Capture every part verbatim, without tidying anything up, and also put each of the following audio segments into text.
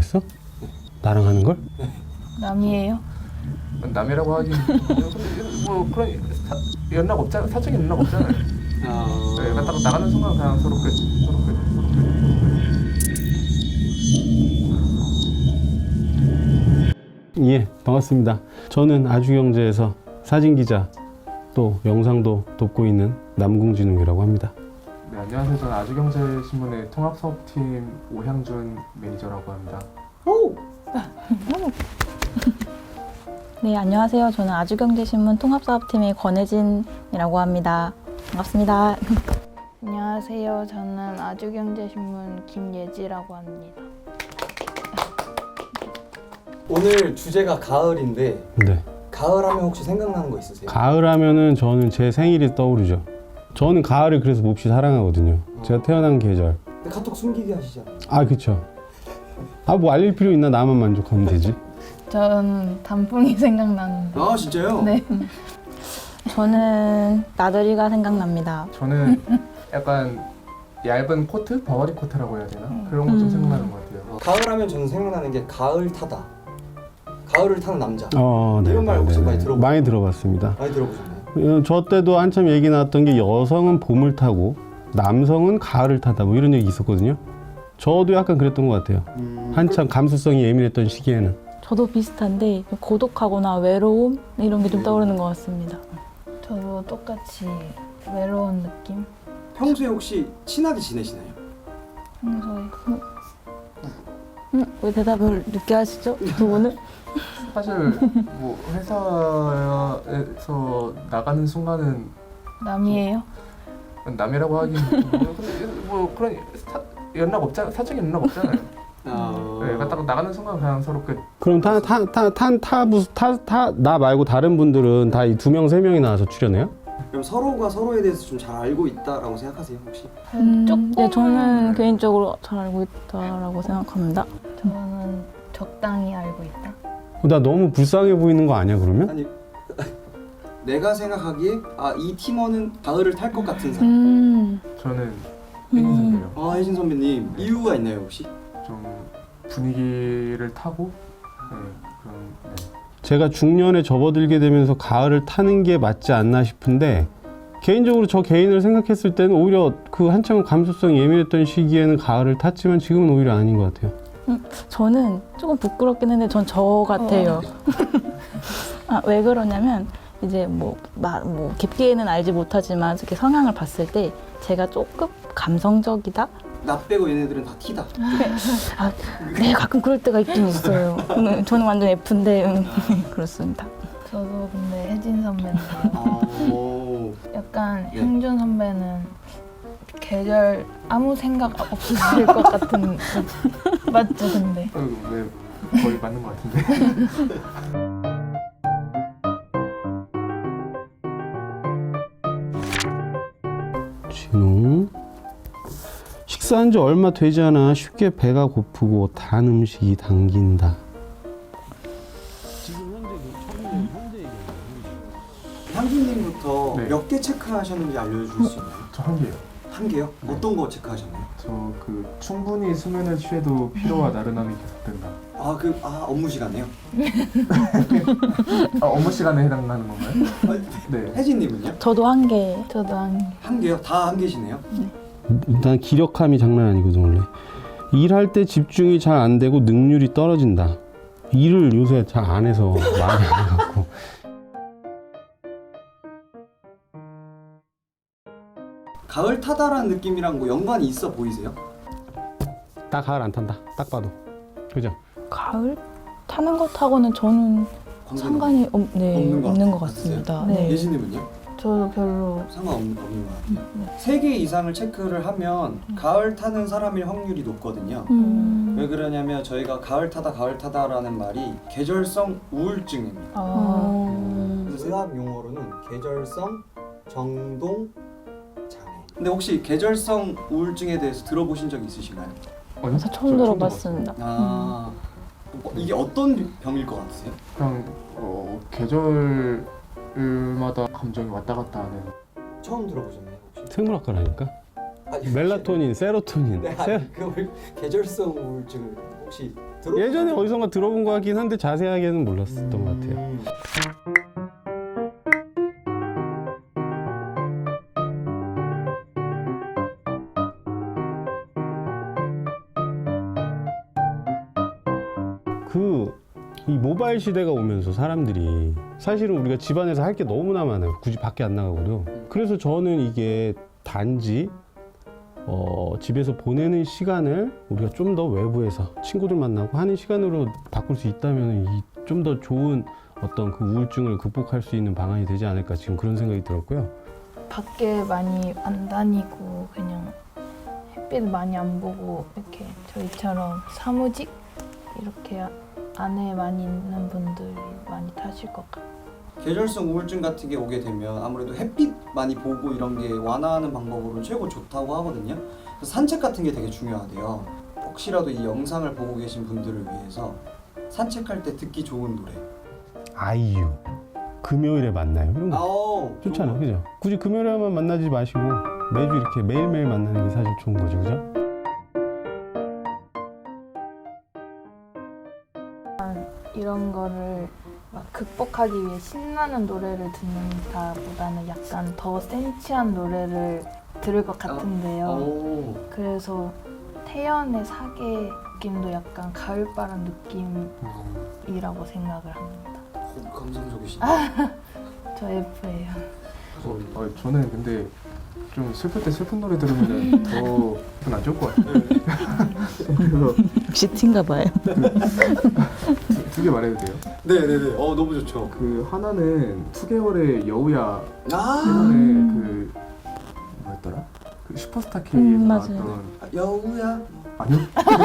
했어? 나랑 하는 걸? 남이에요? 남이라고 하긴 뭐 그런 사, 연락 없잖아. 사적인 연락 없잖아요. 아... 네, 딱 나가는 순간 그냥 서로 끝. 서로 끝. 서로 끝. 예, 반갑습니다. 저는 아주경제에서 사진기자 또 영상도 돕고 있는 남궁진웅이라고 합니다. 네, 안녕하세요. 저는 아주경제신문의 통합사업팀 오향준 매니저라고 합니다. 오! 네, 안녕하세요. 저는 아주경제신문 통합사업팀의 권혜진이라고 합니다. 반갑습니다. 안녕하세요. 저는 아주경제신문 김예지라고 합니다. 오늘 주제가 가을인데 네. 가을 하면 혹시 생각나는 거 있으세요? 가을 하면은 저는 제 생일이 떠오르죠. 저는 가을을 그래서 몹시 사랑하거든요. 제가 태어난 계절. 근데 카톡 숨기게 하시잖아요. 아, 그쵸. 아, 뭐 알릴 필요 있나? 나만 만족하면 되지. 저는 단풍이 생각나는데. 아 진짜요? 네. 저는 나들이가 생각납니다. 저는 약간 얇은 코트? 버버리 코트라고 해야 되나? 그런 거 좀 음. 생각나는 것 같아요. 어, 가을 하면 저는 생각나는 게 가을 타다. 가을을 타는 남자. 어, 네. 이런 말 네, 혹시 네, 많이 네. 들어보- 많이 들어봤습니다. 많이 들어보셨나요? 어, 저 때도 한참 얘기 나왔던 게 여성은 봄을 타고 남성은 가을을 타다 뭐 이런 얘기 있었거든요. 저도 약간 그랬던 것 같아요. 음, 한참 감수성이 예민했던 시기에는. 저도 비슷한데 고독하거나 외로움 이런 게 좀 떠오르는 것 같습니다. 저도 똑같이 외로운 느낌? 평소에 혹시 친하게 지내시나요? 평소에 음, 왜 대답을 늦게 하시죠? 두 분은? 사실 뭐 회사에서 나가는 순간은 남이에요? 남이라고 하긴 뭐, 뭐 그런 사, 연락 없잖아. 사적인 연락 없잖아요. 아... 네, 딱 나가는 순간 그냥 서로 끝. 그럼 타타타타타타나 말고 다른 분들은 다 이 두 명 세 명이 나와서 출연해요? 그럼 서로가 서로에 대해서 좀 잘 알고 있다라고 생각하세요 혹시? 음, 조금- 네, 저는 개인적으로 잘 알고 있다라고 생각합니다. 저는 적당히 알고 있다. 어, 나 너무 불쌍해 보이는 거 아니야 그러면? 아니 내가 생각하기에 아 이 팀원은 가을을 탈 것 같은 사람. 음, 저는 혜진선배요. 아 혜진 선배님 이유가 있나요 혹시? 좀 분위기를 타고 네, 그런 네. 제가 중년에 접어들게 되면서 가을을 타는 게 맞지 않나 싶은데 개인적으로 저 개인을 생각했을 때는 오히려 그 한참 감수성이 예민했던 시기에는 가을을 탔지만 지금은 오히려 아닌 것 같아요. 저는 조금 부끄럽긴 한데 전 저 같아요. 아, 왜 그러냐면 이제 뭐, 마, 뭐 깊게는 알지 못하지만 이렇게 성향을 봤을 때 제가 조금 감성적이다? 나 빼고 얘네들은 다 T다. 아, 네, 가끔 그럴 때가 있긴 있어요. 음, 저는 완전 F인데 음, 그렇습니다. 저도 근데 혜진 선배는 아, 오. 약간 네. 형준 선배는 계절 아무 생각 없으실 것 같은 맞죠 근데? 어, 네, 거의 맞는 것 같은데. 진우 식사한 지 얼마 되지 않아 쉽게 배가 고프고 단 음식이 당긴다. 향수님부터 네. 몇 개 체크하셨는지 알려주실 수 있나요? 저 한 개요. 한 개요? 네. 어떤 거 체크하셨나요? 저 그 충분히 수면을 취해도 피로와 나른함이 계속된다. 아 그 아 업무 시간에요? 아, 업무 시간에 해당하는 건가요? 아, 네. 혜진님은요? 저도 한 개. 저도 한 한 개요? 다 한 개시네요? 난 기력함이 장난 아니거든 원래. 일할 때 집중이 잘 안 되고 능률이 떨어진다. 일을 요새 잘 안 해서 많이 안 해갖고. 가을 타다라는 느낌이랑 뭐 연관이 있어 보이세요? 나 가을 안 탄다. 딱 봐도. 그죠? 가을 타는 것하고는 저는 관계는 상관이 없, 네, 없는 것 없는 것 같으세요? 같습니다. 네. 네. 예진님은요? 저도 별로 상관없는 없는 것 같아요. 세 개 이상을 체크를 하면 가을 타는 사람일 확률이 높거든요. 음. 왜 그러냐면 저희가 가을 타다 가을 타다라는 말이 계절성 우울증입니다. 어, 음. 그래서 의학 용어로는 계절성 정동 장애. 근데 혹시 계절성 우울증에 대해서 들어보신 적 있으신가요? 아니요? 저 처음 저 들어봤습니다. 아 어, 이게 어떤 병일 것 같으세요? 그냥 어, 계절마다 감정이 왔다 갔다 하는. 처음 들어보셨나요 혹시? 생물학과라니까. 아니, 멜라토닌, 세로토닌. 네, 세- 아니, 그 계절성 우울증을 혹시 들어? 예전에 어디선가 들어본 것 같긴 한데 자세하게는 몰랐었던 것 같아요. 음. 그 이 모바일 시대가 오면서 사람들이 사실은 우리가 집안에서 할 게 너무나 많아요. 굳이 밖에 안 나가고도. 그래서 저는 이게 단지 어, 집에서 보내는 시간을 우리가 좀 더 외부에서 친구들 만나고 하는 시간으로 바꿀 수 있다면 좀 더 좋은 어떤 그 우울증을 극복할 수 있는 방안이 되지 않을까 지금 그런 생각이 들었고요. 밖에 많이 안 다니고 그냥 햇빛 많이 안 보고 이렇게 저희처럼 사무직 이렇게 안에 많이 있는 분들이 많이 타실 것 같아요. 계절성 우울증 같은 게 오게 되면 아무래도 햇빛 많이 보고 이런 게 완화하는 방법으로 최고 좋다고 하거든요. 그래서 산책 같은 게 되게 중요하대요. 혹시라도 이 영상을 보고 계신 분들을 위해서 산책할 때 듣기 좋은 노래. 아이유 금요일에 만나요. 이런 거 아오, 좋잖아, 그죠? 굳이 금요일에만 만나지 마시고 매주 이렇게 매일매일 만나는 게 사실 좋은 거죠, 그죠? 이런 거를 막 극복하기 위해 신나는 노래를 듣는다보다는 약간 더 센치한 노래를 들을 것 같은데요. 오. 그래서 태연의 사계 느낌도 약간 가을바람 느낌이라고 생각을 합니다. 오, 감성적이시네. 저 F예요. 어, 어, 저는 근데 좀 슬플 때 슬픈 노래 들으면 더 기분 안 좋을 것 같아요. 그래서 역시 티인가 봐요. 두 개 말해도 돼요? 네네네. 어 너무 좋죠. 그 하나는 투 개월의 여우야 아 때문에 그 뭐였더라? 그 슈퍼스타 K에 음, 나왔던 맞아요. 여우야. 아니요?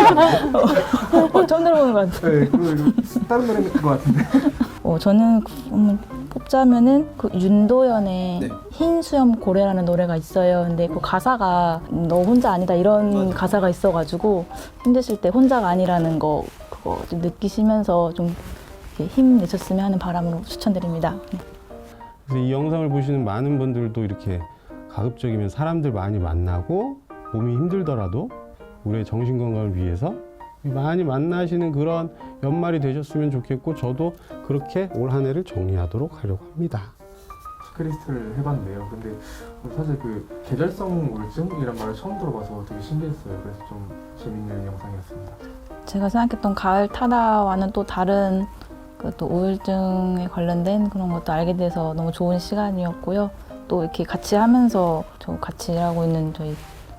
어, 처음 들어보는 것 같아요. 네, 그 다른 노래인 것 같은데. 어, 저는 음, 뽑자면은 그 윤도현의 네. 흰 수염 고래라는 노래가 있어요. 근데 그 가사가 너 혼자 아니다 이런 맞아요. 가사가 있어가지고 힘드실 때 혼자가 아니라는 거 그거 좀 느끼시면서 좀 이렇게 힘내셨으면 하는 바람으로 추천드립니다. 네. 그래서 이 영상을 보시는 많은 분들도 이렇게 가급적이면 사람들 많이 만나고 몸이 힘들더라도 우리의 정신 건강을 위해서 많이 만나시는 그런 연말이 되셨으면 좋겠고 저도 그렇게 올 한 해를 정리하도록 하려고 합니다. 체크리스트를 해봤는데요. 근데 사실 그 계절성 우울증이란 말을 처음 들어봐서 되게 신기했어요. 그래서 좀 재밌는 영상이었습니다. 제가 생각했던 가을 타다와는 또 다른 그 또 우울증에 관련된 그런 것도 알게 돼서 너무 좋은 시간이었고요. 또 이렇게 같이 하면서 저 같이 일하고 있는 저희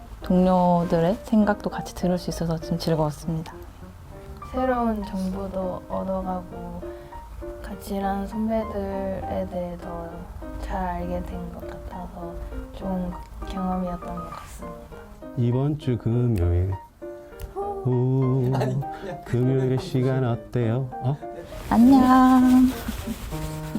동료들의 생각도 같이 들을 수 있어서 좀 즐거웠습니다. 새로운 정보도 얻어가고 같이 일하는 선배들에 대해 더 잘 알게 된 것 같아서 좋은 경험이었던 것 같습니다. 이번 주 금요일 오, 아니, 금요일의 시간 어때요? 어? 안녕.